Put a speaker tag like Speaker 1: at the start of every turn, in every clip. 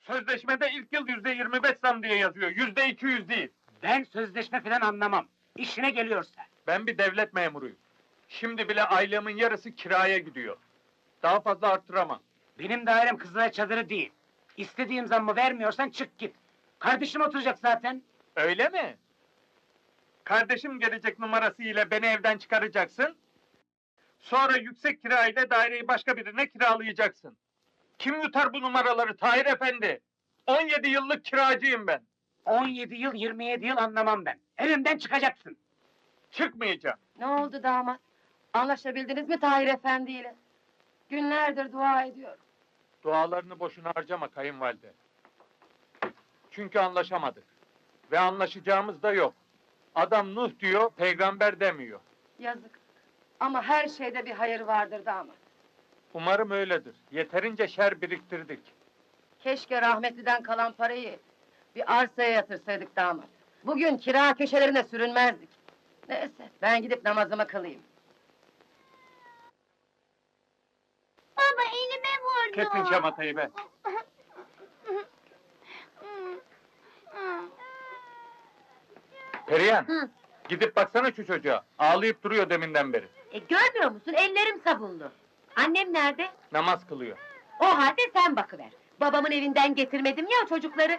Speaker 1: Sözleşmede ilk yıl %25 zam diye yazıyor, %200 değil.
Speaker 2: Ben sözleşme falan anlamam. İşine geliyorsa.
Speaker 1: Ben bir devlet memuruyum. Şimdi bile aylığımın yarısı kiraya gidiyor. Daha fazla arttıramam.
Speaker 2: Benim dairem Kızılay Çadırı değil. İstediğim zammı vermiyorsan çık git. Kardeşim oturacak zaten.
Speaker 1: Öyle mi? Kardeşim gelecek numarasıyla beni evden çıkaracaksın. Sonra yüksek kirayla daireyi başka birine kiralayacaksın. Kim yutar bu numaraları Tahir Efendi? 17 yıllık kiracıyım ben.
Speaker 2: 17 yıl, 27 yıl anlamam ben. Evimden çıkacaksın.
Speaker 1: Çıkmayacağım.
Speaker 3: Ne oldu damat? Anlaşabildiniz mi Tahir Efendi ile? Günlerdir dua ediyorum.
Speaker 1: Dualarını boşuna harcama kayınvalide. Çünkü anlaşamadık. Ve anlaşacağımız da yok. Adam Nuh diyor, peygamber demiyor.
Speaker 3: Yazık. Ama her şeyde bir hayır vardır damat.
Speaker 1: Umarım öyledir. Yeterince şer biriktirdik.
Speaker 3: Keşke rahmetliden kalan parayı bir arsaya yatırsaydık damat. Bugün kira köşelerine sürünmezdik. Neyse, ben gidip namazımı kılayım.
Speaker 4: Baba elime vurdu.
Speaker 1: Kesin şamatayı be. Perihan,
Speaker 3: Hı.
Speaker 1: gidip baksana şu çocuğa. Ağlayıp duruyor deminden beri.
Speaker 3: Görmüyor musun? Ellerim sabunlu. Annem nerede?
Speaker 1: Namaz kılıyor.
Speaker 3: O halde sen bakıver. Babamın evinden getirmedim ya o çocukları.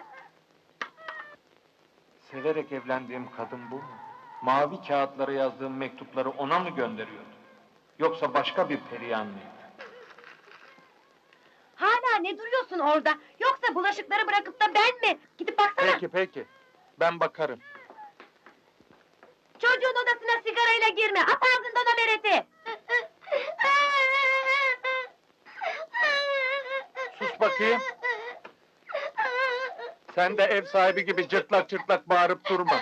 Speaker 1: Severek evlendiğim kadın bu mu? Mavi kağıtlara yazdığım mektupları ona mı gönderiyordu? Yoksa başka bir Perihan mıydı?
Speaker 3: Hala ne duruyorsun orada? Yoksa bulaşıkları bırakıp da ben mi? Gidip baksana.
Speaker 1: Peki peki, ben bakarım.
Speaker 3: Çocuğun odasına sigarayla girme. At ağzından o bereti.
Speaker 1: Sus bakayım. Sen de ev sahibi gibi cırtlak cırtlak bağırıp durma.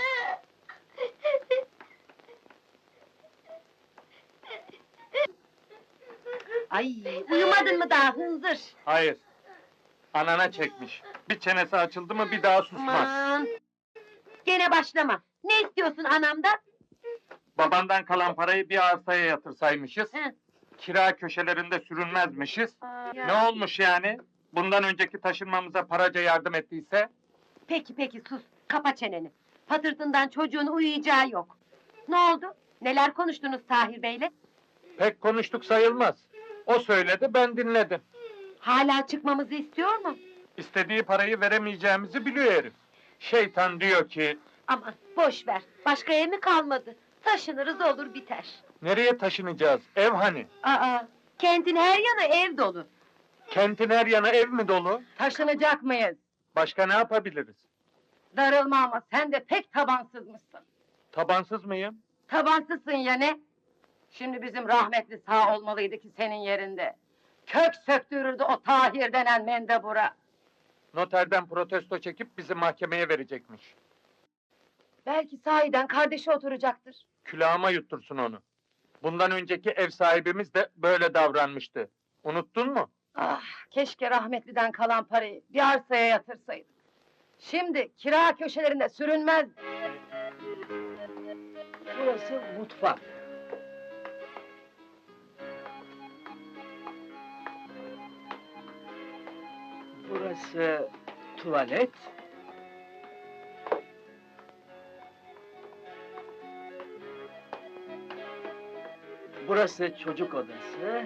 Speaker 3: Ay, uyumadın mı daha hınzır?
Speaker 1: Hayır. Anana çekmiş. Bir çenesi açıldı mı bir daha susmaz.
Speaker 3: Aman! Gene başlama. Ne istiyorsun anamdan?
Speaker 1: Babandan kalan parayı bir arsaya yatırsaymışız.
Speaker 3: Hı.
Speaker 1: Kira köşelerinde sürünmezmişiz. Ne olmuş yani? Bundan önceki taşınmamıza paraca yardım ettiyse?
Speaker 3: Peki sus. Kapa çeneni. Patırtından çocuğun uyuyacağı yok. Ne oldu? Neler konuştunuz Tahir Bey'le?
Speaker 1: Pek konuştuk sayılmaz. O söyledi, ben dinledim.
Speaker 3: Hala çıkmamızı istiyor mu?
Speaker 1: İstediği parayı veremeyeceğimizi biliyor herif. Şeytan diyor ki,
Speaker 3: Aman boş ver. Başka ev mi kalmadı? Taşınırız olur biter.
Speaker 1: nereye taşınacağız? Ev hani?
Speaker 3: Aa, kentin her yanı ev dolu.
Speaker 1: Kentin her yanı ev mi dolu?
Speaker 3: Taşınacak mıyız?
Speaker 1: Başka ne yapabiliriz?
Speaker 3: Darılma ama sen de pek tabansızmışsın.
Speaker 1: Tabansız mıyım?
Speaker 3: Tabansızsın ya ne? Şimdi bizim rahmetli sağ olmalıydı ki senin yerinde. Kök söktürürdü o Tahir denen mendebura.
Speaker 1: Noterden protesto çekip bizi mahkemeye verecekmiş.
Speaker 3: Belki sahiden kardeşi oturacaktır.
Speaker 1: Külahıma yuttursun onu. Bundan önceki ev sahibimiz de böyle davranmıştı. Unuttun mu?
Speaker 3: Ah, keşke rahmetliden kalan parayı bir arsaya yatırsaydık. Şimdi kira köşelerinde sürünmez.
Speaker 5: Burası mutfak. Burası tuvalet. Burası çocuk odası.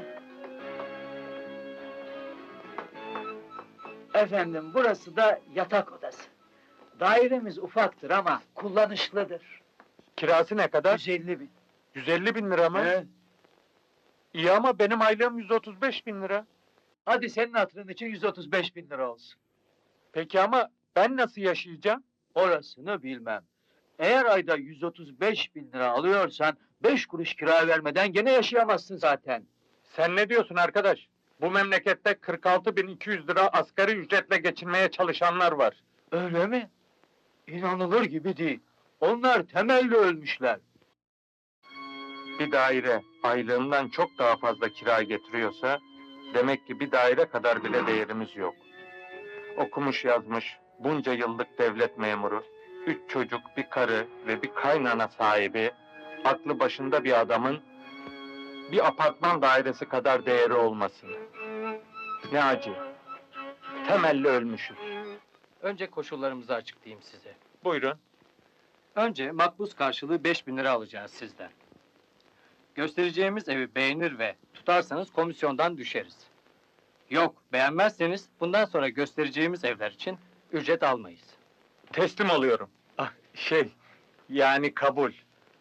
Speaker 5: Efendim, burası da yatak odası. Dairemiz ufaktır ama kullanışlıdır.
Speaker 1: Kirası ne kadar?
Speaker 5: 150 bin.
Speaker 1: 150 bin lira mı?
Speaker 5: Evet.
Speaker 1: İyi ama benim aylığım 135 bin lira.
Speaker 5: Hadi senin hatırın için 135 bin lira olsun.
Speaker 1: Peki ama ben nasıl yaşayacağım?
Speaker 5: Orasını bilmem. Eğer ayda 135 bin lira alıyorsan 5 kuruş kira vermeden gene yaşayamazsın zaten.
Speaker 1: Sen ne diyorsun arkadaş? Bu memlekette 46.200 lira asgari ücretle geçinmeye çalışanlar var.
Speaker 5: Öyle mi? İnanılır gibi değil. Onlar temelli ölmüşler.
Speaker 1: Bir daire aylığımdan çok daha fazla kira getiriyorsa, demek ki bir daire kadar bile değerimiz yok. Okumuş yazmış, bunca yıllık devlet memuru, 3 çocuk, bir karı ve bir kaynana sahibi, aklı başında bir adamın bir apartman dairesi kadar değeri olması. Ne acı. Temelli ölmüşüz.
Speaker 5: Önce koşullarımızı açıklayayım size.
Speaker 1: Buyurun.
Speaker 5: Önce makbuz karşılığı 5.000 lira alacağız sizden. Göstereceğimiz evi beğenir ve tutarsanız komisyondan düşeriz. Yok, beğenmezseniz bundan sonra göstereceğimiz evler için ücret almayız.
Speaker 1: Teslim oluyorum. Ah, yani kabul.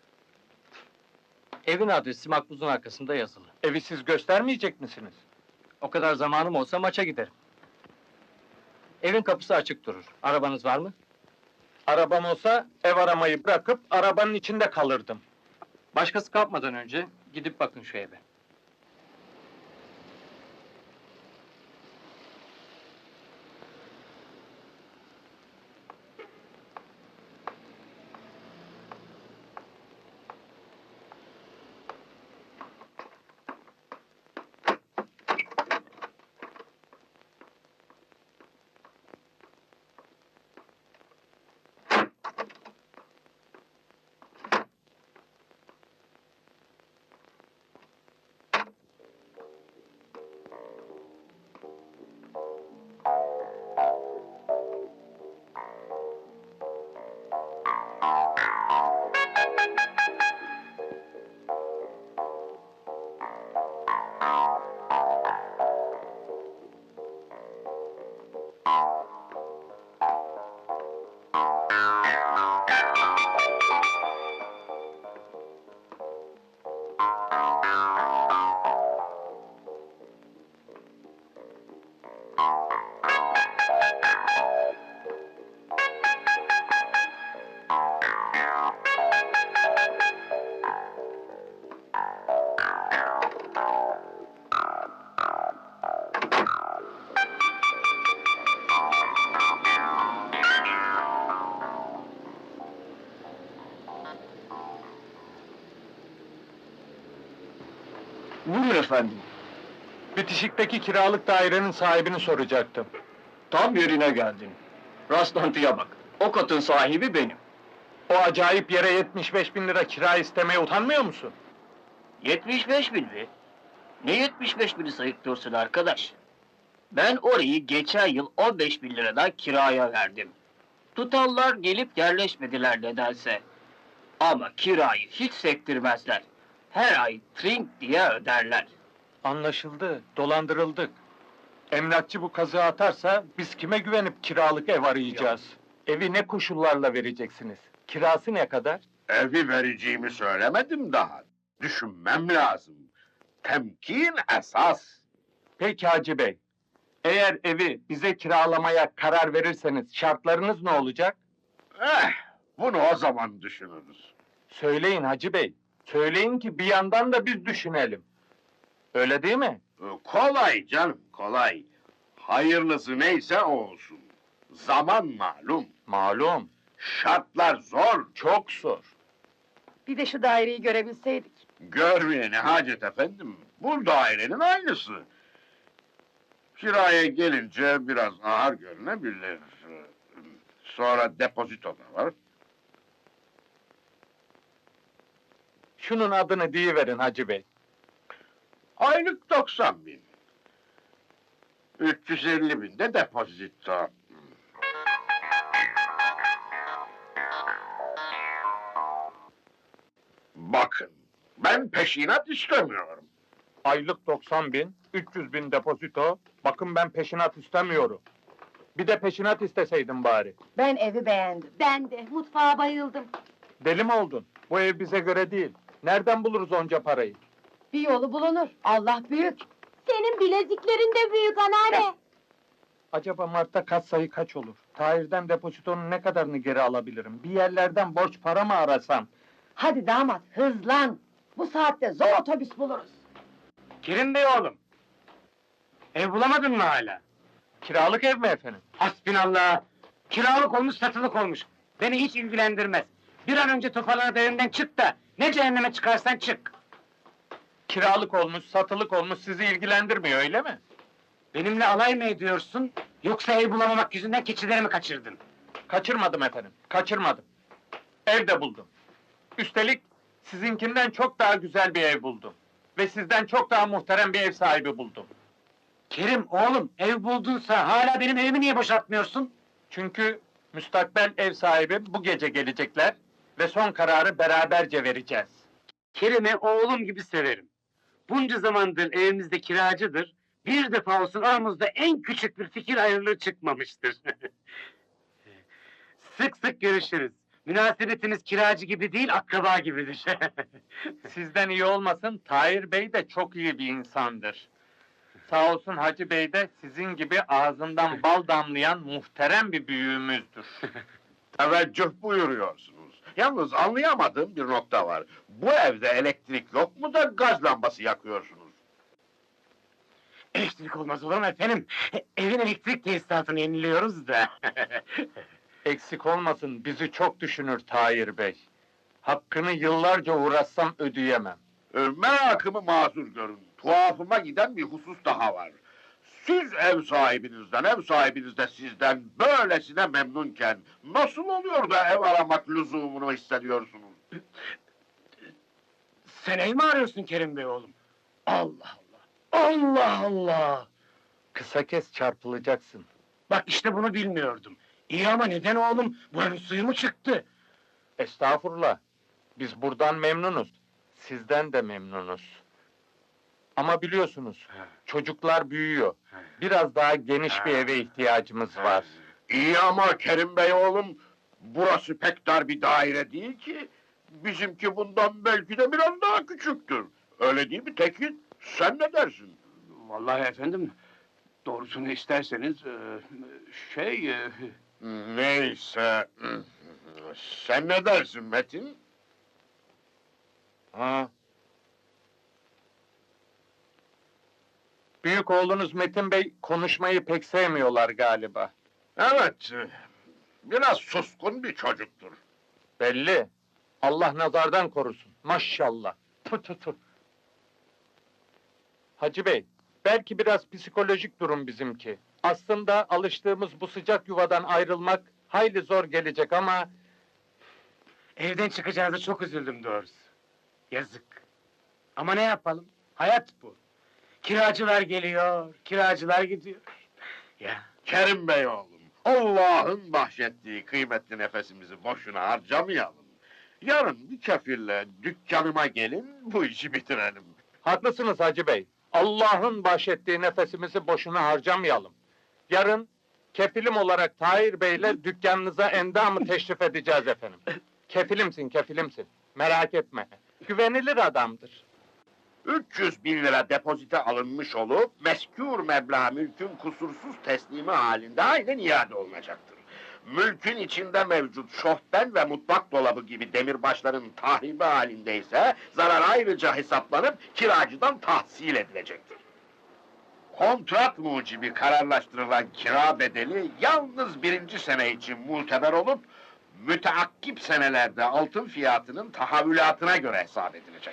Speaker 5: Evin adresi makbuzun arkasında yazılı.
Speaker 1: Evi siz göstermeyecek misiniz?
Speaker 5: O kadar zamanım olsa maça giderim. Evin kapısı açık durur. Arabanız var mı?
Speaker 1: Arabam olsa ev aramayı bırakıp arabanın içinde kalırdım.
Speaker 5: Başkası kapmadan önce gidip bakın şu eve.
Speaker 6: Buyurun efendim.
Speaker 1: Bitişikteki kiralık dairenin sahibini soracaktım.
Speaker 6: Tam yerine geldin. Rastlantıya bak. O katın sahibi benim.
Speaker 1: O acayip yere 75.000 lira kira istemeye utanmıyor musun?
Speaker 6: 75 bin mi? Ne 75 bini sayıklıyorsun arkadaş? Ben orayı geçen yıl 15 bin liradan kiraya verdim. Tutallar gelip yerleşmediler nedense. Ama kirayı hiç sektirmezler. Her ay trink diye öderler.
Speaker 1: Anlaşıldı, dolandırıldık. Emlakçı bu kazığı atarsa biz kime güvenip kiralık ev arayacağız? Evi ne koşullarla vereceksiniz? Kirası ne kadar?
Speaker 7: Evi vereceğimi söylemedim daha. Düşünmem lazım. Temkin esas.
Speaker 1: Peki Hacı Bey, eğer evi bize kiralamaya karar verirseniz şartlarınız ne olacak?
Speaker 7: Bunu o zaman düşünürüz.
Speaker 1: Söyleyin Hacı Bey, söyleyin ki bir yandan da biz düşünelim. Öyle değil mi?
Speaker 7: Kolay canım, kolay. Hayırlısı neyse o olsun. Zaman malum.
Speaker 1: Malum,
Speaker 7: Şartlar zor.
Speaker 1: çok zor.
Speaker 3: Bir de şu daireyi görebilseydik.
Speaker 7: Görmeye ne hacet efendim. Bu dairenin aynısı. Kiraya gelince biraz ağır görünebilir. Sonra depozito da var.
Speaker 1: Şunun adını deyiverin Hacı Bey.
Speaker 7: Aylık 90 bin. 350 bin de depozito. Bakın, ben peşinat istemiyorum.
Speaker 1: Aylık 90.000, 300.000 depozito. Bakın ben peşinat istemiyorum. Bir de peşinat isteseydin bari.
Speaker 3: Ben evi beğendim.
Speaker 4: Ben de mutfağa bayıldım.
Speaker 1: Deli mi oldun? Bu ev bize göre değil. Nereden buluruz onca parayı?
Speaker 3: Bir yolu bulunur. Allah büyük.
Speaker 4: Senin bileziklerin de büyük anneanne.
Speaker 1: Acaba Mart'ta kat sayı kaç olur? Tahir'den depozitonun ne kadarını geri alabilirim? Bir yerlerden borç para mı arasam?
Speaker 3: Hadi damat hızlan. Bu saatte zor otobüs buluruz.
Speaker 2: Kerim Bey oğlum. Ev bulamadın mı hala?
Speaker 1: Kiralık ev mi efendim?
Speaker 2: Hasbinallah. Kiralık olmuş, satılık olmuş. Beni hiç ilgilendirmez. Bir an önce toparlanıp evimden çık da ne cehenneme çıkarsan çık.
Speaker 1: Kiralık olmuş, satılık olmuş sizi ilgilendirmiyor öyle mi?
Speaker 2: Benimle alay mı ediyorsun? Yoksa ev bulamamak yüzünden keçileri mi kaçırdın?
Speaker 1: Kaçırmadım efendim, kaçırmadım. Ev de buldum. Üstelik sizinkinden çok daha güzel bir ev buldum. Ve sizden çok daha muhterem bir ev sahibi buldum.
Speaker 2: Kerim oğlum, ev buldunsa hala benim evimi niye boşaltmıyorsun?
Speaker 1: Çünkü müstakbel ev sahibi bu gece gelecekler ve son kararı beraberce vereceğiz.
Speaker 2: Kerim'i oğlum gibi severim. Bunca zamandır evimizde kiracıdır. Bir defa olsun aramızda en küçük bir fikir ayrılığı çıkmamıştır. Sık sık görüşürüz. Münasebetimiz kiracı gibi değil, akraba gibidir.
Speaker 1: Sizden iyi olmasın, Tahir Bey de çok iyi bir insandır. Sağ olsun Hacı Bey de sizin gibi ağzından bal damlayan muhterem bir büyüğümüzdür.
Speaker 7: Teveccüh buyuruyorsunuz. Yalnız anlayamadığım bir nokta var. Bu evde elektrik yok mu da gaz lambası yakıyorsunuz?
Speaker 2: Elektrik olmaz olur mu efendim? Evin elektrik tesisatını yeniliyoruz da.
Speaker 1: Eksik olmasın, bizi çok düşünür Tahir Bey. Hakkını yıllarca uğraşsam ödeyemem.
Speaker 7: Merakımı mazur görün. Tuhafıma giden bir husus daha var. Siz ev sahibiniz de sizden böylesine memnunken nasıl oluyor da ev aramak lüzumunu hissediyorsunuz?
Speaker 2: Sen ev mi arıyorsun Kerim Bey oğlum? Allah Allah! Allah Allah!
Speaker 1: Kısa kes, çarpılacaksın.
Speaker 2: Bak işte bunu bilmiyordum. İyi ama neden oğlum? Bu evin suyu mu çıktı?
Speaker 1: Estağfurullah. Biz buradan memnunuz. Sizden de memnunuz. Ama biliyorsunuz, çocuklar büyüyor. Biraz daha geniş bir eve ihtiyacımız var.
Speaker 7: İyi ama Kerim Bey oğlum, burası pek dar bir daire değil ki. Bizimki bundan belki de biraz daha küçüktür. Öyle değil mi Tekin? Sen ne dersin?
Speaker 8: Vallahi efendim, doğrusunu isterseniz,
Speaker 7: Neyse. Sen ne dersin Metin?
Speaker 1: Ha. Büyük oğlunuz Metin Bey konuşmayı pek sevmiyorlar galiba.
Speaker 7: Evet, biraz suskun bir çocuktur.
Speaker 1: Belli. Allah nazardan korusun. Maşallah. Tü tü tü. Hacı Bey, belki biraz psikolojik durum bizimki. Aslında alıştığımız bu sıcak yuvadan ayrılmak hayli zor gelecek ama
Speaker 2: Evden çıkacağınıza çok üzüldüm doğrusu. Yazık. Ama ne yapalım? Hayat bu. Kiracılar geliyor, kiracılar gidiyor. Ya.
Speaker 7: Kerim Bey oğlum, Allah'ın bahşettiği kıymetli nefesimizi boşuna harcamayalım. Yarın bir kefille dükkanıma gelin, bu işi bitirelim.
Speaker 1: haklısınız Hacı Bey. Allah'ın bahşettiği nefesimizi boşuna harcamayalım. Yarın kefilim olarak Tahir Bey'le dükkanınıza endamı teşrif edeceğiz efendim. Kefilimsin, kefilimsin. Merak etme. Güvenilir adamdır.
Speaker 7: 300.000 lira depozite alınmış olup, meskûr meblağ mülkün kusursuz teslimi halinde aynen iade olunacaktır. Mülkün içinde mevcut şofben ve mutfak dolabı gibi demirbaşların tahribi halindeyse, zarar ayrıca hesaplanıp kiracıdan tahsil edilecektir. Kontrat mucibi kararlaştırılan kira bedeli yalnız 1. sene için muteber olup, müteakkip senelerde altın fiyatının tahavülatına göre hesap edilecek.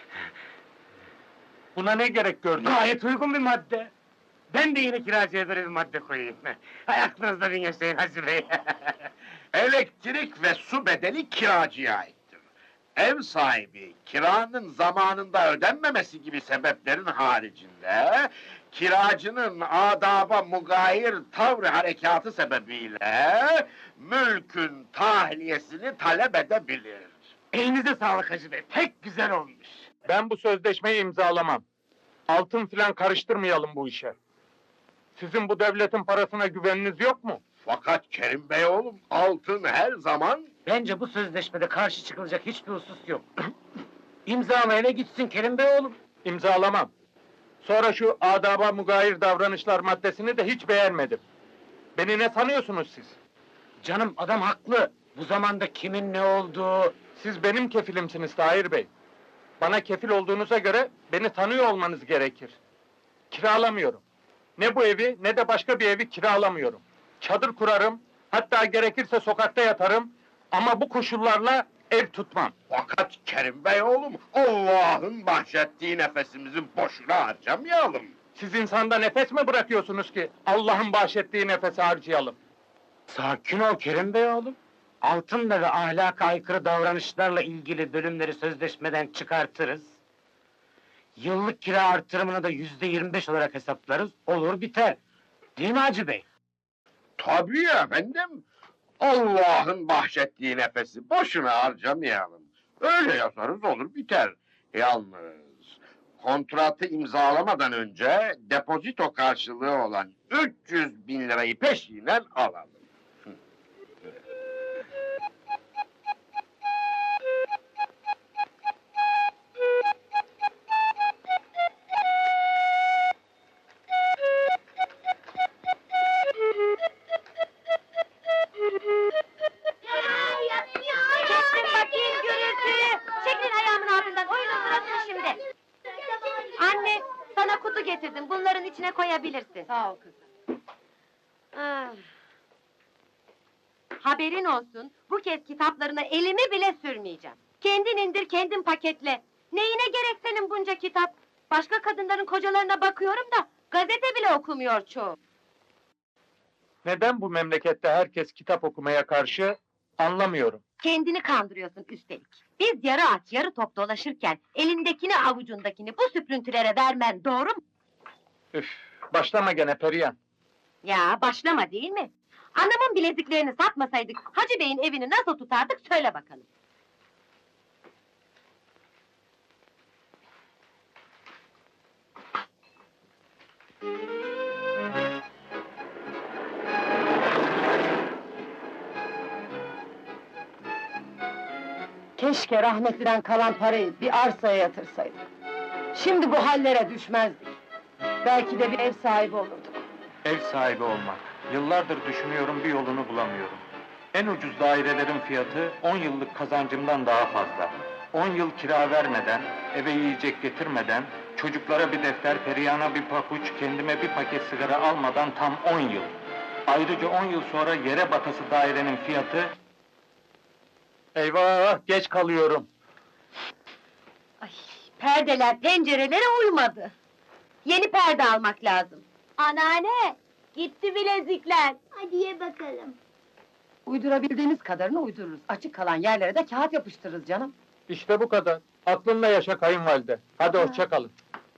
Speaker 1: Buna ne gerek gördün?
Speaker 2: Gayet uygun bir madde. Ben de yine kiracıya böyle bir madde koyayım. Hay aklınızda bin yaşayın Hacı Bey.
Speaker 7: Elektrik ve su bedeli kiracıya aittir. Ev sahibi kiranın zamanında ödenmemesi gibi sebeplerin haricinde, kiracının adaba mugayir tavrı harekatı sebebiyle mülkün tahliyesini talep edebilir.
Speaker 2: Elinize sağlık Hacı Bey, pek güzel olmuş.
Speaker 1: Ben bu sözleşmeyi imzalamam. Altın filan karıştırmayalım bu işe. Sizin bu devletin parasına güveniniz yok mu?
Speaker 7: Fakat Kerim Bey oğlum, altın her zaman...
Speaker 2: Bence bu sözleşmede karşı çıkılacak hiçbir husus yok. İmzalayana gitsin Kerim Bey oğlum.
Speaker 1: İmzalamam. Sonra şu adaba mugayir davranışlar maddesini de hiç beğenmedim. Beni ne sanıyorsunuz siz?
Speaker 2: Canım adam haklı. Bu zamanda kimin ne olduğu...
Speaker 1: Siz benim kefilimsiniz Tahir Bey. Bana kefil olduğunuza göre beni tanıyor olmanız gerekir. Kiralamıyorum. Ne bu evi ne de başka bir evi kiralamıyorum. Çadır kurarım, hatta gerekirse sokakta yatarım ama bu koşullarla ev tutmam.
Speaker 7: Fakat Kerim Bey oğlum, Allah'ın bahşettiği nefesimizi boşuna harcamayalım.
Speaker 1: Siz insanda nefes mi bırakıyorsunuz ki Allah'ın bahşettiği nefesi harcayalım?
Speaker 2: Sakin ol Kerim Bey oğlum. Altınla ve ahlaka aykırı davranışlarla ilgili bölümleri sözleşmeden çıkartırız. Yıllık kira artırımını da %25 olarak hesaplarız, olur biter. Değil mi Hacı Bey?
Speaker 7: Tabii efendim, Allah'ın bahşettiği nefesi boşuna harcamayalım. Öyle yazarız olur biter. Yalnız kontratı imzalamadan önce depozito karşılığı olan 300 bin lirayı peşinen alalım.
Speaker 4: Kestim bakayım gürültüyü. Çekilin ayağımın altından. Oyunun sırası şimdi. Anne, sana kutu getirdim. Bunların içine koyabilirsin.
Speaker 3: Sağ ol kızım.
Speaker 4: Ah. Haberin olsun, bu kez kitaplarına elimi bile sürmeyeceğim. Kendin indir, kendin paketle. Neyine gerek senin bunca kitap? Başka kadınların kocalarına bakıyorum da, gazete bile okumuyor çoğu.
Speaker 1: Neden bu memlekette herkes kitap okumaya karşı anlamıyorum.
Speaker 4: Kendini kandırıyorsun üstelik. Biz yarı aç, yarı top dolaşırken, elindekini avucundakini bu süprüntülere vermen doğru mu?
Speaker 1: Üf, başlama gene Perihan.
Speaker 4: Ya başlama değil mi? Anamın bileziklerini satmasaydık, Hacı Bey'in evini nasıl tutardık söyle bakalım.
Speaker 3: Keşke rahmetliden kalan parayı bir arsaya yatırsaydık. Şimdi bu hallere düşmezdik. Belki de bir ev sahibi olurduk.
Speaker 1: Ev sahibi olmak. Yıllardır düşünüyorum, bir yolunu bulamıyorum. En ucuz dairelerin fiyatı 10 yıllık kazancımdan daha fazla. 10 yıl kira vermeden, eve yiyecek getirmeden, çocuklara bir defter, Perihan'a bir pabuç, kendime bir paket sigara almadan tam 10 yıl. Ayrıca 10 yıl sonra yere batası dairenin fiyatı... Eyvah, geç kalıyorum.
Speaker 4: Ay, perdeler pencerelere uymadı. Yeni perde almak lazım.
Speaker 9: Anneanne, gitti bilezikler. Hadi ye bakalım.
Speaker 3: Uydurabildiğimiz kadarını uydururuz. Açık kalan yerlere de kağıt yapıştırırız canım.
Speaker 1: İşte bu kadar. Aklınla yaşa kayınvalide. Hadi hoşça kalın.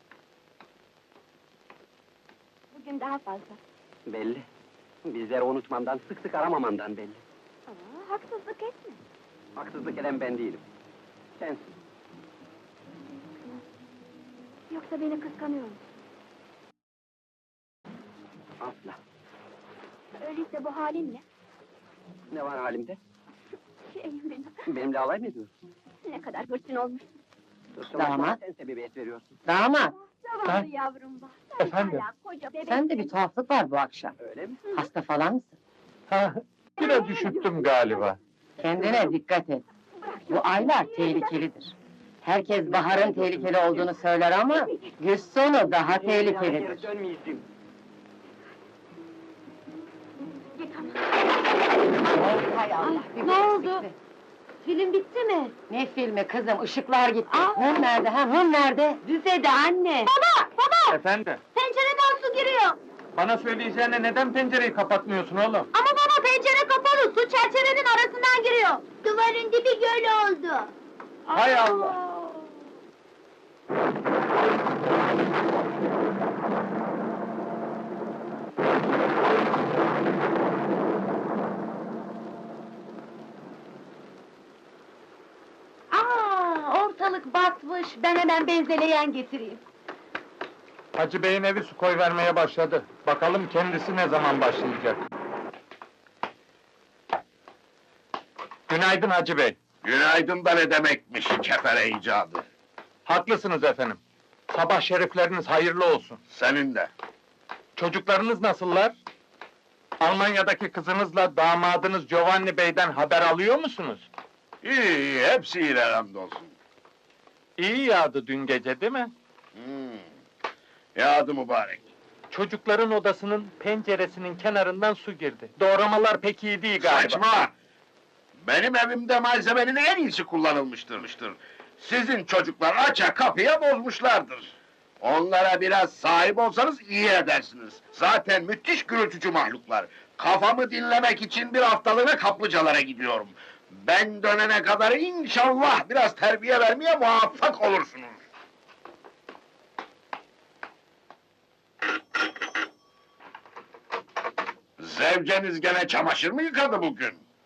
Speaker 9: Bugün daha fazla.
Speaker 10: Belli. Bizleri unutmamdan, sık sık aramamandan belli.
Speaker 9: Haksızlık etme.
Speaker 10: Haksızlık eden ben değilim. Sensin.
Speaker 9: Yoksa beni kıskanıyor musun?
Speaker 10: Asla.
Speaker 9: Öyleyse bu halinle.
Speaker 10: Ne var halimde?
Speaker 9: Şeyim benim.
Speaker 10: Benimle alay mı ediyorsun?
Speaker 9: Ne kadar hırçın olmuş.
Speaker 3: Damat.
Speaker 10: Sen sebebiyet veriyorsun.
Speaker 3: Damat,
Speaker 9: Zavallı yavrum var. Sen
Speaker 1: Efendim?
Speaker 9: hala koca bebek.
Speaker 3: sende bir tuhaflık var bu akşam.
Speaker 10: Öyle mi?
Speaker 3: Hasta falan mısın?
Speaker 1: Ha, biraz üşüttüm galiba.
Speaker 3: Kendine dikkat et. Bu aylar tehlikelidir. Herkes baharın tehlikeli olduğunu söyler ama... ...güz sonu daha tehlikelidir.
Speaker 10: Geri dönmeyeceğim.
Speaker 9: Git ama.
Speaker 3: Hay Allah, bir
Speaker 4: ne oldu?
Speaker 3: eksikti.
Speaker 4: Film bitti mi?
Speaker 3: Ne filmi kızım, ışıklar gitti.
Speaker 4: Aa!
Speaker 3: Hım nerede, hım nerede?
Speaker 4: Büfede anne. Baba!
Speaker 1: Efendim,
Speaker 4: Pencereden su giriyor.
Speaker 1: bana söyleyeceğine neden pencereyi kapatmıyorsun oğlum?
Speaker 4: Ama baba pencere kapalı, su çerçevenin arasından giriyor.
Speaker 9: Duvarın dibi göl oldu.
Speaker 1: Hay Allah!
Speaker 4: Ortalık batmış, ben hemen benzeleyen getireyim.
Speaker 1: Hacı Bey'in evi su koyvermeye başladı. Bakalım kendisi ne zaman başlayacak? Günaydın Hacı Bey.
Speaker 7: Günaydın da ne demekmiş kefere icadı.
Speaker 1: Haklısınız efendim. Sabah şerifleriniz hayırlı olsun.
Speaker 7: Senin de.
Speaker 1: Çocuklarınız nasıllar? Almanya'daki kızınızla damadınız Giovanni Bey'den haber alıyor musunuz?
Speaker 7: İyi, iyi, hepsi iyi hamdolsun.
Speaker 1: İyi yağdı dün gece değil mi?
Speaker 7: Yağdı mübarek.
Speaker 1: Çocukların odasının penceresinin kenarından su girdi. Doğramalar pek iyi değil galiba.
Speaker 7: Saçma! Benim evimde malzemenin en iyisi kullanılmıştır. Sizin çocuklar aça kapıya bozmuşlardır. Onlara biraz sahip olsanız iyi edersiniz. Zaten müthiş gürültücü mahluklar. Kafamı dinlemek için bir haftalığına kaplıcalara gidiyorum. Ben dönene kadar inşallah biraz terbiye vermeye muvaffak olursunuz. Zevceniz gene çamaşır mı yıkadı bugün?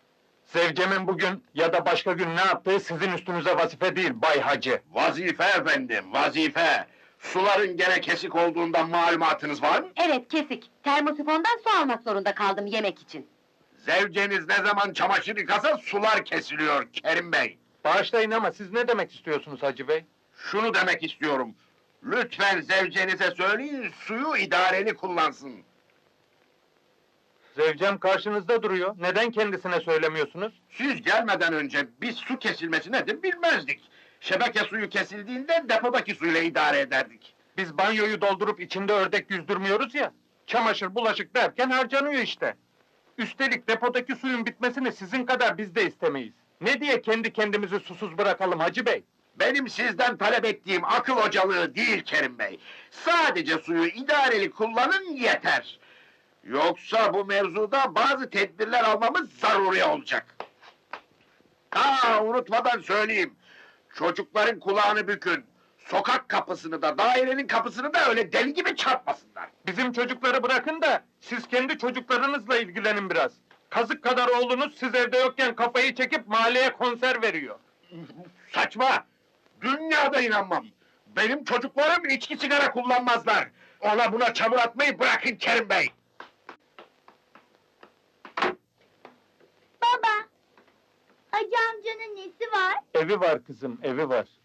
Speaker 1: Zevcemin bugün ya da başka gün ne yaptığı sizin üstünüze vazife değil Bay Hacı.
Speaker 7: Vazife efendim, vazife. Suların gene kesik olduğundan malumatınız var mı?
Speaker 4: Evet, kesik. Termosifondan su almak zorunda kaldım yemek için.
Speaker 7: Zevceniz ne zaman çamaşır yıkasa sular kesiliyor Kerim Bey.
Speaker 1: Bağışlayın ama siz ne demek istiyorsunuz Hacı Bey?
Speaker 7: Şunu demek istiyorum. Lütfen zevcenize söyleyin, suyu idareli kullansın.
Speaker 1: Zevcem karşınızda duruyor. Neden kendisine söylemiyorsunuz?
Speaker 7: Siz gelmeden önce biz su kesilmesi nedir bilmezdik. Şebeke suyu kesildiğinde depodaki suyla idare ederdik.
Speaker 1: Biz banyoyu doldurup içinde ördek yüzdürmüyoruz ya. Çamaşır, bulaşık derken harcanıyor işte. Üstelik depodaki suyun bitmesini sizin kadar biz de istemeyiz. Ne diye kendi kendimizi susuz bırakalım Hacı Bey?
Speaker 7: Benim sizden talep ettiğim akıl hocalığı değil Kerim Bey. Sadece suyu idareli kullanın yeter. Yoksa bu mevzuda bazı tedbirler almamız zaruri olacak. Unutmadan söyleyeyim. Çocukların kulağını bükün. Sokak kapısını da, dairenin kapısını da öyle deli gibi çarpmasınlar.
Speaker 1: Bizim çocukları bırakın da siz kendi çocuklarınızla ilgilenin biraz. Kazık kadar oğlunuz siz evde yokken kafayı çekip mahalleye konser veriyor.
Speaker 7: Saçma! Dünyada inanmam! Benim çocuklarım içki sigara kullanmazlar! Ona buna çamur atmayı bırakın Kerim Bey!
Speaker 9: Baba, Hacı amcanın nesi var?
Speaker 1: Evi var kızım, evi var.